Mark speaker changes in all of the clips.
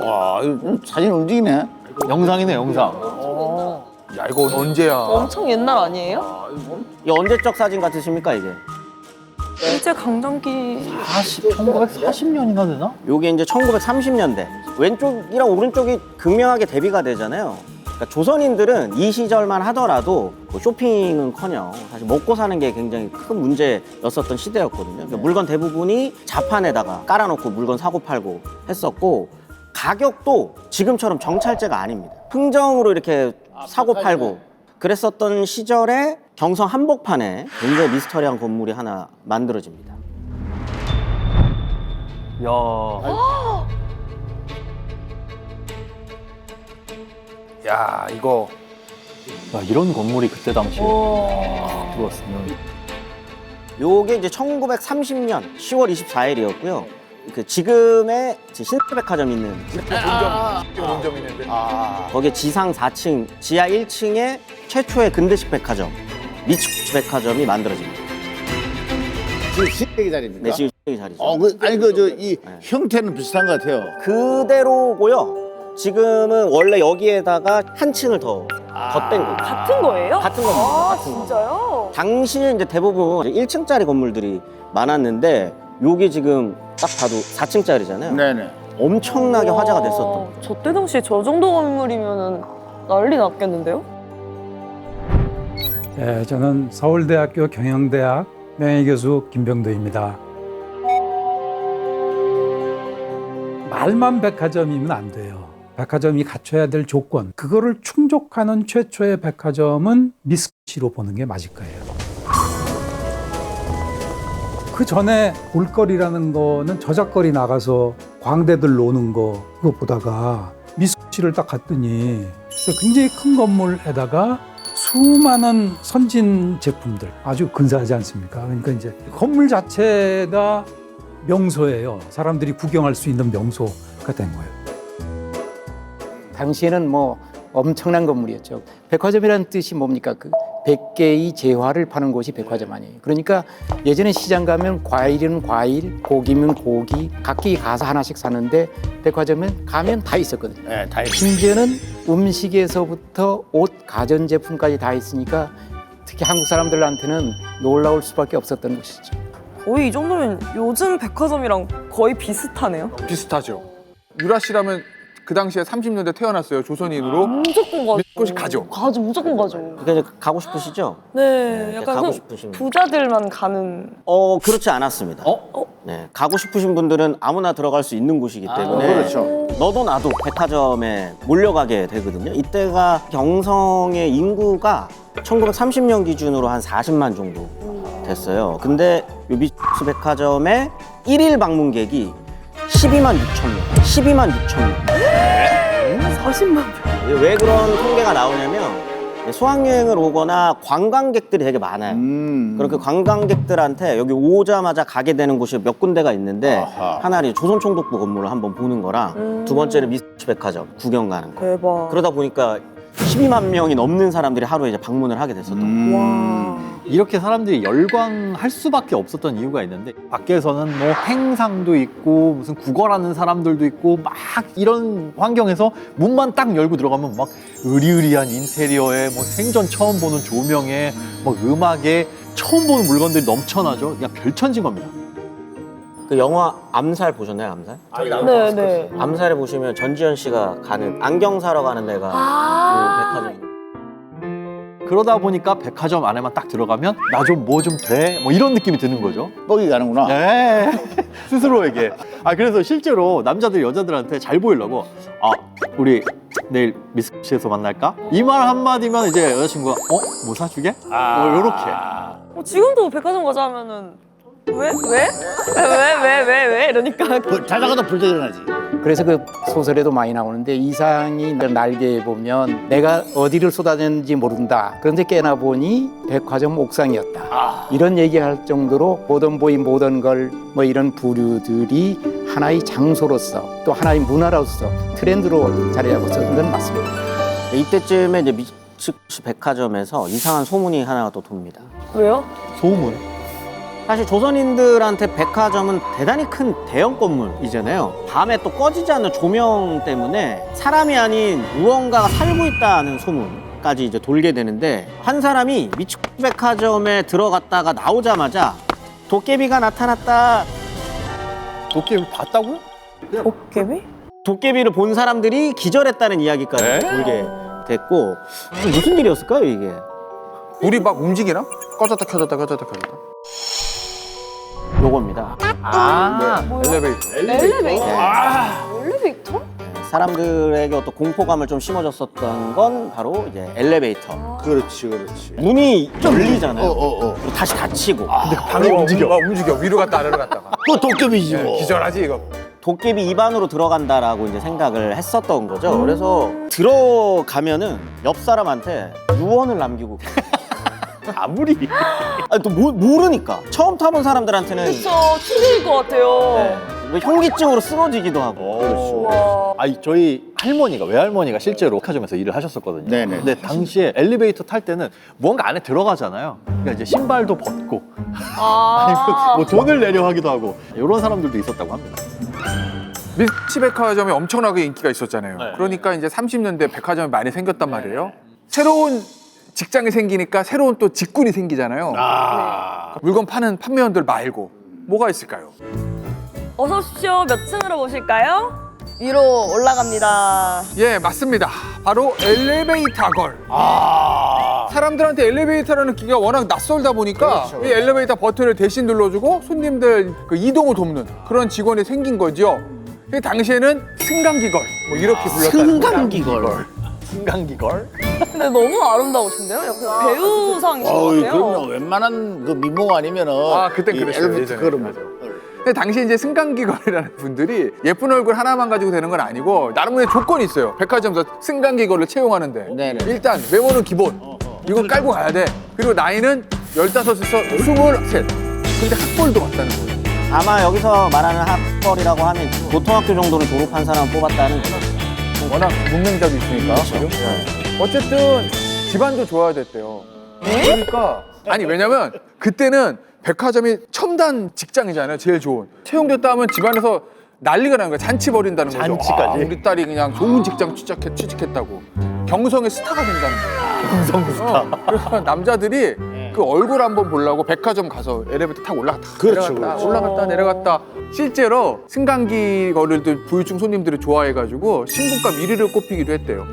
Speaker 1: 와, 이거 사진 움직이네.
Speaker 2: 영상이네, 영상.
Speaker 3: 야, 이거 언제야?
Speaker 4: 엄청 옛날 아니에요?
Speaker 5: 이 언제적 사진 같으십니까 이게?
Speaker 4: 일제 강점기
Speaker 2: 1940년이나 되나?
Speaker 5: 요게 이제 1930년대. 왼쪽이랑 오른쪽이 극명하게 대비가 되잖아요. 그러니까 조선인들은 이 시절만 하더라도 뭐 쇼핑은커녕 사실 먹고 사는 게 굉장히 큰 문제였었던 시대였거든요. 그러니까 물건 대부분이 자판에다가 깔아놓고 물건 사고 팔고 했었고, 가격도 지금처럼 정찰제가 아닙니다. 흥정으로 이렇게 사고 팔고 그랬었던 시절에 경성 한복판에 굉장히 미스터리한 건물이 하나 만들어집니다.
Speaker 2: 야.
Speaker 3: 야, 이거
Speaker 2: 야, 이런 건물이 그때 당시에 들어왔으면.
Speaker 5: 요게 이제 1930년 10월 24일이었고요. 그 지금의 신세백화점 있는
Speaker 3: 본점 있는데.
Speaker 5: 거기에 지상 4층, 지하 1층에 최초의 근대식 백화점, 미츠쿠치 백화점이 만들어집니다.
Speaker 1: 지금 시댁이 자리입니까?
Speaker 5: 네, 지금 이 자리죠.
Speaker 1: 아니 이 형태는 비슷한 것 같아요.
Speaker 5: 그대로고요. 지금은 원래 여기에다가 한 층을 더 덧댄 거예요.
Speaker 4: 같은 거예요?
Speaker 5: 같은 겁니다.
Speaker 4: 아,
Speaker 5: 같은 거.
Speaker 4: 진짜요?
Speaker 5: 당시에 이제 대부분 1층짜리 건물들이 많았는데 요게 지금 딱 봐도 4층짜리잖아요.
Speaker 1: 네네.
Speaker 5: 엄청나게 화제가 됐었던 거죠.
Speaker 4: 저때 당시에 저 정도 건물이면은 난리 났겠는데요?
Speaker 6: 네, 저는 서울대학교 경영대학 명예교수 김병도입니다. 말만 백화점이면 안 돼요. 백화점이 갖춰야 될 조건, 그거를 충족하는 최초의 백화점은 미쓰시로 보는 게 맞을 거예요. 그 전에 볼거리라는 거는 저작거리 나가서 광대들 노는 거 그거 보다가 미쓰시를 딱 갔더니 굉장히 큰 건물에다가 수많은 선진 제품들 아주 근사하지 않습니까? 그러니까 이제 건물 자체가 명소예요. 사람들이 구경할 수 있는 명소가 된 거예요.
Speaker 7: 당시에는 뭐 엄청난 건물이었죠. 백화점이라는 뜻이 뭡니까? 그 100개의 재화를 파는 곳이 백화점 아니에요. 그러니까 예전에 시장 가면 과일이면 과일, 고기면 고기, 각기 가서 하나씩 사는데 백화점은 가면 다 있었거든요.
Speaker 1: 네, 다 있어요.
Speaker 7: 심지어는 음식에서부터 옷, 가전제품까지 다 있으니까 특히 한국 사람들한테는 놀라울 수밖에 없었던 곳이죠.
Speaker 4: 거의 이 정도면 요즘 백화점이랑 거의 비슷하네요.
Speaker 3: 비슷하죠. 유라 씨라면 그 당시에 30년대 태어났어요. 조선인으로.
Speaker 4: 무조건 가죠.
Speaker 3: 미쓰시 가죠.
Speaker 4: 가죠, 무조건 가죠.
Speaker 5: 그러니까 이제 가고 싶으시죠?
Speaker 4: 네, 약간
Speaker 5: 가고
Speaker 4: 그
Speaker 5: 싶으신 분.
Speaker 4: 부자들만 가는.
Speaker 5: 그렇지 않았습니다. 네, 가고 싶으신 분들은 아무나 들어갈 수 있는 곳이기 때문에
Speaker 1: 그렇죠.
Speaker 5: 너도 나도 백화점에 몰려가게 되거든요. 이때가 경성의 인구가 1930년 기준으로 한 40만 정도 됐어요. 근데 요 미쓰시 백화점의 1일 방문객이 12만 6천 명. 12만 6천 명.
Speaker 4: 40만 명.
Speaker 5: 왜 그런 통계가 나오냐면 수학여행을 오거나 관광객들이 되게 많아요. 그렇게 관광객들한테 여기 오자마자 가게 되는 곳이 몇 군데가 있는데
Speaker 1: 아하.
Speaker 5: 하나는 조선총독부 건물을 한번 보는 거랑 두 번째는 미쓰시 백화점 구경 가는 거.
Speaker 4: 대박.
Speaker 5: 그러다 보니까 12만 명이 넘는 사람들이 하루에 이제 방문을 하게 됐었던 거예요.
Speaker 4: 와.
Speaker 2: 이렇게 사람들이 열광할 수밖에 없었던 이유가 있는데, 밖에서는 뭐 행상도 있고 무슨 구걸하는 사람들도 있고 막 이런 환경에서 문만 딱 열고 들어가면 막 으리으리한 인테리어에 뭐 생전 처음 보는 조명에 뭐 음악에 처음 보는 물건들이 넘쳐나죠. 그냥 별천진 겁니다.
Speaker 5: 그 영화 암살 보셨나요? 암살?
Speaker 4: 네, 네.
Speaker 5: 암살에 보시면 전지현 씨가 가는 안경 사러 가는 데가 그 백화점.
Speaker 2: 그러다 보니까 백화점 안에만 딱 들어가면 나 좀 뭐 좀 돼? 뭐 이런 느낌이 드는 거죠.
Speaker 1: 뻑이 가는구나.
Speaker 2: 네. 스스로에게. 실제로 실제로 남자들 여자들한테 잘 보이려고 우리 내일 미쓰시에서 만날까? 이 말 한마디면 이제 여자친구가 뭐 사주게? 뭐 요렇게.
Speaker 4: 지금도 백화점 가자 하면은 왜? 이러니까.
Speaker 1: 자다가도 불도 일어나지.
Speaker 7: 그래서 그 소설에도 많이 나오는데 이상이 날개에 보면 내가 어디를 쏟아졌는지 모른다. 그런데 깨나 보니 백화점 옥상이었다. 이런 얘기할 정도로 보던 보이 모던 걸 뭐 이런 부류들이 하나의 장소로서 또 하나의 문화로서 트렌드로 자리하고 있었던 건 맞습니다.
Speaker 5: 이때쯤에 이제 미쓰시 백화점에서 이상한 소문이 하나가 또 돕니다.
Speaker 4: 왜요?
Speaker 2: 소문.
Speaker 5: 사실 조선인들한테 백화점은 대단히 큰 대형 건물이잖아요. 밤에 또 꺼지지 않는 조명 때문에 사람이 아닌 무언가가 살고 있다는 소문까지 이제 돌게 되는데, 한 사람이 미츠 백화점에 들어갔다가 나오자마자 도깨비가 나타났다.
Speaker 2: 도깨비 봤다고요?
Speaker 4: 도깨비?
Speaker 5: 도깨비를 본 사람들이 기절했다는 이야기까지 돌게 됐고, 무슨 일이었을까요 이게?
Speaker 3: 불이 막 움직이나? 꺼졌다 켜졌다 꺼졌다 켜졌다.
Speaker 5: 요겁니다.
Speaker 3: 엘리베이터.
Speaker 4: 엘리베이터? 엘리베이터?
Speaker 5: 사람들에게 어떤 공포감을 좀 심어줬었던 건 바로 이제 엘리베이터.
Speaker 1: 그렇지, 그렇지.
Speaker 5: 문이 열리잖아요.
Speaker 1: 어.
Speaker 5: 그리고 다시 닫히고.
Speaker 3: 방이 움직여. 위로 갔다 아래로 갔다가.
Speaker 1: 그 도깨비지 뭐.
Speaker 3: 기절하지 이거.
Speaker 5: 도깨비 입안으로 들어간다라고 이제 생각을 했었던 거죠. 그래서 들어가면은 옆 사람한테 유언을 남기고.
Speaker 2: 아무리
Speaker 5: 아니 또 모르니까. 처음 타본 사람들한테는
Speaker 4: 그쵸, 충격일 것 같아요.
Speaker 5: 네, 뭐 현기증으로 쓰러지기도 하고.
Speaker 4: 와.
Speaker 2: 아니 저희 할머니가 외할머니가 실제로 백화점에서 일을 하셨었거든요.
Speaker 1: 네네.
Speaker 2: 근데 당시에 엘리베이터 탈 때는 뭔가 안에 들어가잖아요. 그러니까 이제 신발도 벗고
Speaker 4: 아.
Speaker 2: 뭐 돈을 내려 하기도 하고 이런 사람들도 있었다고 합니다.
Speaker 3: 미츠 백화점이 엄청나게 인기가 있었잖아요.
Speaker 2: 네.
Speaker 3: 그러니까 이제 30년대 백화점이 많이 생겼단 말이에요. 새로운 직장이 생기니까 새로운 또 직군이 생기잖아요. 물건 파는 판매원들 말고 뭐가 있을까요?
Speaker 4: 어서 오십시오. 몇 층으로 보실까요? 위로 올라갑니다.
Speaker 3: 예, 맞습니다. 바로 엘리베이터 걸. 사람들한테 엘리베이터라는 기계가 워낙 낯설다 보니까 이 엘리베이터 버튼을 대신 눌러주고 손님들 그 이동을 돕는 그런 직원이 생긴 거죠. 그 당시에는 승강기걸 뭐 이렇게 불렀다는
Speaker 5: 승강기걸.
Speaker 2: 승강기걸?
Speaker 4: 근데 너무 아름다우신데요? 약간 배우상이신 것
Speaker 1: 어이,
Speaker 4: 같아요.
Speaker 1: 그럼요. 웬만한 그 민목 아니면은.
Speaker 3: 그땐
Speaker 1: 이
Speaker 3: 그랬어요,
Speaker 1: 엘리베이터
Speaker 3: 예전에.
Speaker 1: 걸으면.
Speaker 3: 근데 당시 이제 승강기걸이라는 분들이 예쁜 얼굴 하나만 가지고 되는 건 아니고 나름의 조건이 있어요. 백화점에서 승강기걸을 채용하는데
Speaker 1: 네네.
Speaker 3: 일단 외모는 기본. 이건 깔고 가야 돼. 그리고 나이는 15에서 23. 근데 학벌도 맞다는 거예요.
Speaker 5: 아마 여기서 말하는 학벌이라고 하면 고등학교 정도는 졸업한 사람 뽑았다는 거죠.
Speaker 3: 워낙 문맹작이 있으니까. 그죠? 어쨌든 집안도 좋아야 됐대요. 그러니까 아니 왜냐면 그때는 백화점이 첨단 직장이잖아요. 제일 좋은. 채용됐다 하면 집안에서 난리가 나는 거야. 잔치 벌인다는 거죠.
Speaker 2: 잔치까지?
Speaker 3: 우리 딸이 그냥 좋은 직장 취직했다고. 경성의 스타가 된다는 거예요.
Speaker 2: 경성 스타.
Speaker 3: 그래서 남자들이 그 얼굴 한번 보려고 백화점 가서 엘리베이터 타고 올라갔다
Speaker 1: 그렇죠,
Speaker 3: 내려갔다
Speaker 1: 그렇죠.
Speaker 3: 올라갔다 내려갔다. 실제로 승강기 거리를 부유층 손님들이 좋아해가지고 신분감 1위를 꼽히기도 했대요.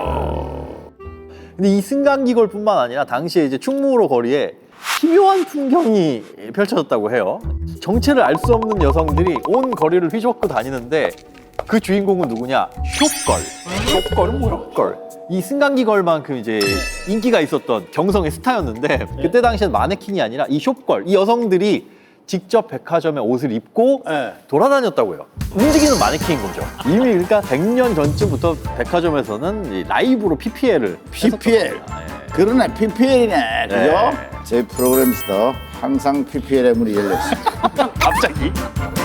Speaker 2: 근데 이 승강기걸뿐만 아니라 당시에 이제 충무로 거리에 희묘한 풍경이 펼쳐졌다고 해요. 정체를 알 수 없는 여성들이 온 거리를 휘젓고 다니는데 그 주인공은 누구냐? 숍걸.
Speaker 3: 숍걸은 뭐야?
Speaker 2: 걸. 이 승강기걸만큼 이제 인기가 있었던 경성의 스타였는데 그때 당시엔 마네킹이 아니라 이 숍걸, 이 여성들이 직접 백화점에 옷을 입고
Speaker 1: 네.
Speaker 2: 돌아다녔다고요. 움직이는 마네킹인 거죠. 이미 그러니까 100년 전쯤부터 백화점에서는 이 라이브로 PPL을
Speaker 1: PPL. 그러네, PPL이네. 그죠?
Speaker 2: 네.
Speaker 1: 제 프로그램에서 항상 PPL의 문이 열렸습니다.
Speaker 2: 갑자기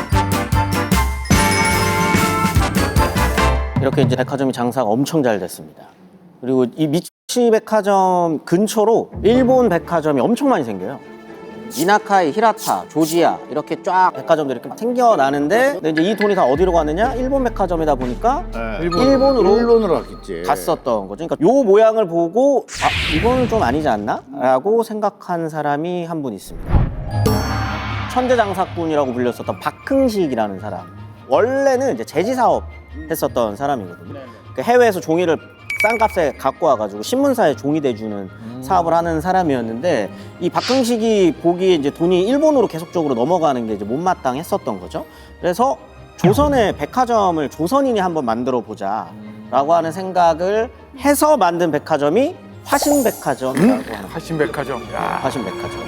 Speaker 5: 이렇게 이제 백화점이 장사가 엄청 잘 됐습니다. 그리고 이 미츠 백화점 근처로 일본 백화점이 엄청 많이 생겨요. 이나카이, 히라타, 조지야 이렇게 쫙 백화점들이 이렇게 생겨나는데 근데 이제 이 돈이 다 어디로 가느냐? 일본 백화점이다 보니까 일본으로
Speaker 1: 갔겠지.
Speaker 5: 갔었던 거죠. 그러니까 요 모양을 보고 이거는 좀 아니지 않나? 라고 생각한 사람이 한 분 있습니다. 천재장사꾼이라고 불렸었던 박흥식이라는 사람. 원래는 이제 제지 사업 했었던 사람이거든요. 그러니까 해외에서 종이를 싼 값에 갖고 와가지고 신문사에 종이 대주는 사업을 하는 사람이었는데 이 박흥식이 보기에 이제 돈이 일본으로 계속적으로 넘어가는 게 이제 못마땅했었던 거죠. 그래서 조선의 백화점을 조선인이 한번 만들어 보자라고 하는 생각을 해서 만든 백화점이 화신백화점이라고 하는
Speaker 3: 화신백화점. 야.
Speaker 5: 화신백화점.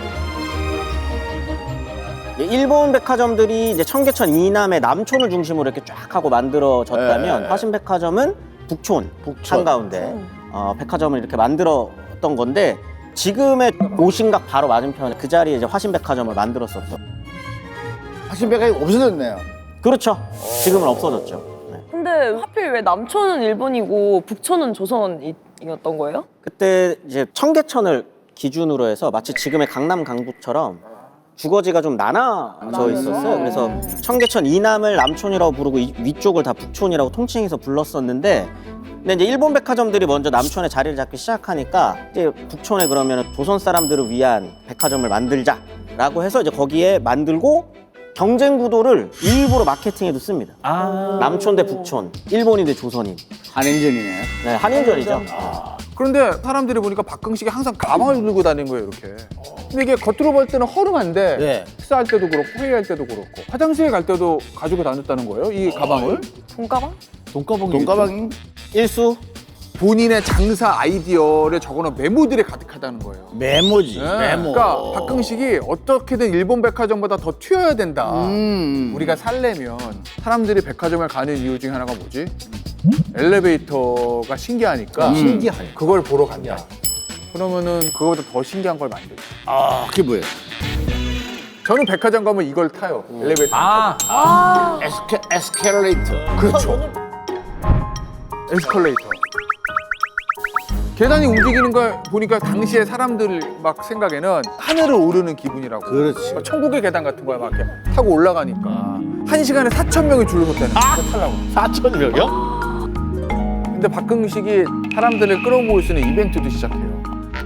Speaker 5: 일본 백화점들이 이제 청계천 이남의 남촌을 중심으로 이렇게 쫙 하고 만들어졌다면
Speaker 1: 네.
Speaker 5: 화신백화점은 북촌 한가운데 백화점을 이렇게 만들었던 건데 지금의 오신각 바로 맞은편에 그 자리에 이제 화신백화점을 만들었었죠.
Speaker 1: 화신백화점이 없어졌네요.
Speaker 5: 그렇죠. 지금은 없어졌죠. 네.
Speaker 4: 근데 하필 왜 남촌은 일본이고 북촌은 조선이었던 거예요?
Speaker 5: 그때 이제 청계천을 기준으로 해서 마치 지금의 강남 강북처럼 주거지가 좀 나눠져 있었어요. 그래서 청계천 이남을 남촌이라고 부르고 위쪽을 다 북촌이라고 통칭해서 불렀었는데, 근데 이제 일본 백화점들이 먼저 남촌에 자리를 잡기 시작하니까 이제 북촌에 그러면 조선 사람들을 위한 백화점을 만들자라고 해서 이제 거기에 만들고 경쟁 구도를 일부러 마케팅에도 씁니다. 남촌 대 북촌, 일본인 대 조선인.
Speaker 1: 한인전이네.
Speaker 5: 네, 한인전이죠.
Speaker 3: 그런데 사람들이 보니까 박흥식이 항상 가방을 들고 다니는 거예요, 이렇게. 근데 이게 겉으로 볼 때는 허름한데
Speaker 1: 네.
Speaker 3: 식사할 때도 그렇고 회의할 때도 그렇고 화장실에 갈 때도 가지고 다녔다는 거예요, 이 가방을.
Speaker 4: 돈가방?
Speaker 1: 돈가방이
Speaker 5: 일수
Speaker 3: 본인의 장사 아이디어를 적어놓은 메모들이 가득하다는 거예요.
Speaker 1: 메모지.
Speaker 3: 네.
Speaker 1: 메모.
Speaker 3: 그러니까 박흥식이 어떻게든 일본 백화점보다 더 튀어야 된다. 우리가 살려면 사람들이 백화점을 가는 이유 중에 하나가 뭐지? 엘리베이터가 신기하니까 그걸 보러 간다. 그러면은 그거보다 더 신기한 걸 만들죠.
Speaker 1: 아, 그게 뭐예요?
Speaker 3: 저는 백화점 가면 이걸 타요. 엘리베이터.
Speaker 1: 에스컬레이터.
Speaker 3: 그렇죠. 에스컬레이터. 계단이 움직이는 걸 보니까 당시에 사람들 막 생각에는 하늘을 오르는 기분이라고.
Speaker 1: 그렇지.
Speaker 3: 막 천국의 계단 같은 거야 막 이렇게 타고 올라가니까 1시간에 4,000명이 줄을 섰다는 거야. 타려고.
Speaker 1: 4,000명이요?
Speaker 3: 근데 박흥식이 사람들을 끌어모을 수 있는 이벤트도 시작해요.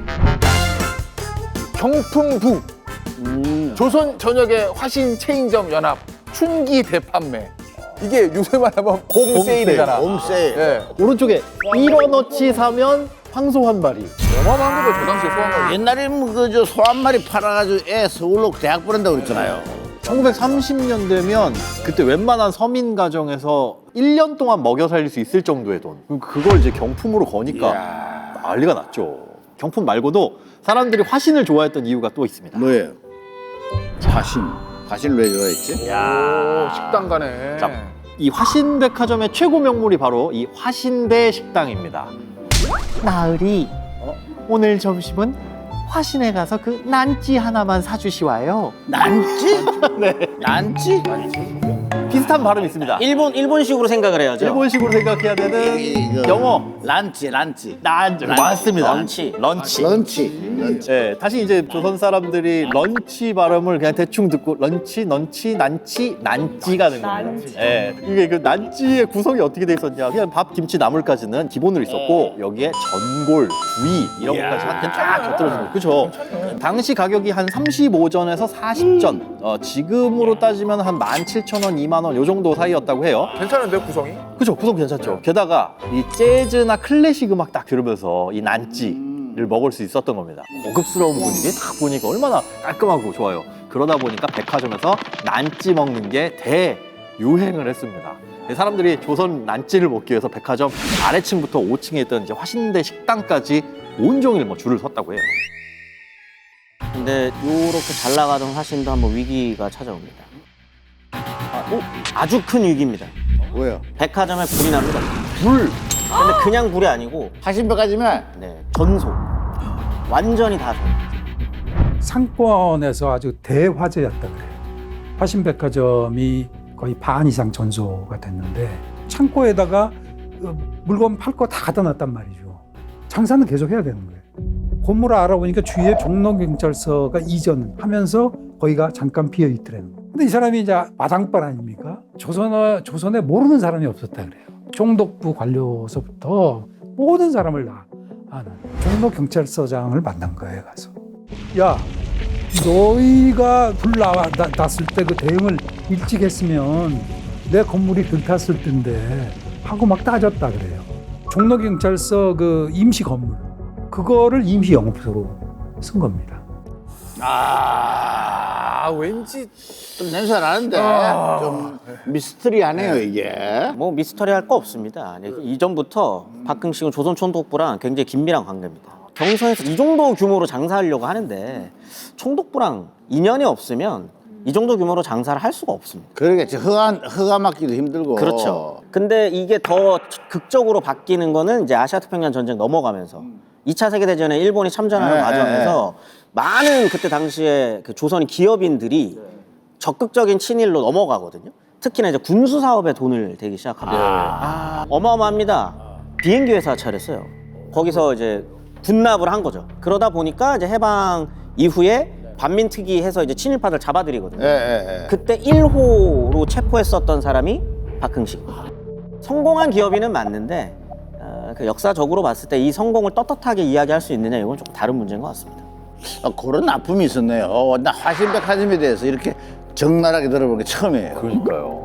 Speaker 3: 경품부. 조선 전역의 화신 체인점 연합 춘기 대판매. 이게 요새 말하면 봄 세일이잖아.
Speaker 1: 홈세일.
Speaker 3: 예.
Speaker 2: 오른쪽에 1원어치 사면 황소 한 마리.
Speaker 3: 어마어마한 거죠, 저 당시에 소환가.
Speaker 1: 옛날에는 그저 소 한 마리 팔아가지고 애 서울로 대학 보낸다고 그랬잖아요.
Speaker 2: 1930년 되면 그때 웬만한 서민 가정에서 1년 동안 먹여 살릴 수 있을 정도의 돈. 그걸 이제 경품으로 거니까 난리가 났죠. 경품 말고도 사람들이 화신을 좋아했던 이유가 또 있습니다.
Speaker 1: 뭐예요? 화신. 화신을 왜 좋아했지?
Speaker 3: 오, 식당 가네.
Speaker 2: 자, 이 화신백화점의 최고 명물이 바로 이 화신대 식당입니다. 나으리, 오늘 점심은 화신에 가서 그 난찌 하나만 사주시와요.
Speaker 1: 난지? 네. 난지?
Speaker 2: 비슷한 발음이 있습니다.
Speaker 5: 일본식으로 생각을 해야죠.
Speaker 2: 일본식으로 생각해야 되는
Speaker 1: 이거
Speaker 2: 영어.
Speaker 1: 란치.
Speaker 2: 맞습니다.
Speaker 5: 런치.
Speaker 1: 런치.
Speaker 2: 네, 다시 이제 조선 사람들이 런치 발음을 그냥 대충 듣고 런치, 넌치, 난치, 난찌가 된 겁니다. 네, 이게 그 난찌의 구성이 어떻게 돼 있었냐? 그냥 밥, 김치, 나물까지는 기본으로 있었고 여기에 전골, 구이 이런 것까지 한테 쫙 곁들여진 거예요. 그렇죠? 당시 가격이 한 35전에서 40전. 지금으로 따지면 한 17,000원, 2만 원 요 정도 사이였다고 해요.
Speaker 3: 괜찮은데 구성이?
Speaker 2: 그죠, 구성 괜찮죠. 게다가 이 재즈나 클래식 음악 딱 들으면서 이 난찌를 먹을 수 있었던 겁니다. 고급스러운 분위기 딱 보니까 얼마나 깔끔하고 좋아요. 그러다 보니까 백화점에서 난찌 먹는 게 대유행을 했습니다. 사람들이 조선 난찌를 먹기 위해서 백화점 아래층부터 5층에 있던 이제 화신대 식당까지 온종일 뭐 줄을 섰다고 해요.
Speaker 5: 근데 요렇게 잘 나가던 화신도 한번 위기가 찾아옵니다. 아주 큰 위기입니다.
Speaker 1: 뭐예요?
Speaker 5: 백화점에 불이 납니다. 불! 근데 그냥 불이 아니고
Speaker 1: 화신백화점에
Speaker 5: 전소. 완전히 다 전소.
Speaker 6: 상권에서 아주 대화제였다 그래요. 화신백화점이 거의 반 이상 전소가 됐는데 창고에다가 물건 팔 거 다 갖다 놨단 말이죠. 장사는 계속 해야 되는 거예요. 건물을 알아보니까 주위에 종로경찰서가 이전하면서 거기가 잠깐 비어 있더라는 거예요. 근데 이 사람이 이제 마당발 아닙니까? 조선에 모르는 사람이 없었다 그래요. 총독부 관료서부터 모든 사람을 다 아는 종로경찰서장을 만난 거예요. 가서 야, 너희가 불 났을 때 그 대응을 일찍 했으면 내 건물이 들탔을 텐데 하고 막 따졌다 그래요. 종로경찰서 그 임시 건물 그거를 임시 영업소로 쓴 겁니다.
Speaker 3: 왠지
Speaker 1: 좀 냄새가 나는데 좀 미스터리하네요 이게.
Speaker 5: 뭐 미스터리할 거 없습니다. 이전부터 박흥식은 조선 총독부랑 굉장히 긴밀한 관계입니다. 경성에서 이 정도 규모로 장사하려고 하는데 총독부랑 인연이 없으면 이 정도 규모로 장사를 할 수가 없습니다.
Speaker 1: 그러겠지. 허가 맞기도 힘들고.
Speaker 5: 그렇죠. 근데 이게 더 극적으로 바뀌는 거는 이제 아시아태평양 전쟁 넘어가면서 2차 세계대전에 일본이 참전하는 과정에서 많은 그때 당시에 그 조선 기업인들이 적극적인 친일로 넘어가거든요. 특히나 이제 군수 사업에 돈을 대기 시작합니다. 어마어마합니다. 비행기 회사 차렸어요. 거기서 이제 군납을 한 거죠. 그러다 보니까 이제 해방 이후에 반민특위 해서 이제 친일파들 잡아들이거든요.
Speaker 1: 예.
Speaker 5: 그때 1호로 체포했었던 사람이 박흥식. 성공한 기업인은 맞는데 그 역사적으로 봤을 때 이 성공을 떳떳하게 이야기할 수 있느냐 이건 조금 다른 문제인 것 같습니다.
Speaker 1: 그런 아픔이 있었네요. 나 화신백화점에 대해서 이렇게 적나라하게 들어보는 게 처음이에요.
Speaker 2: 그러니까요.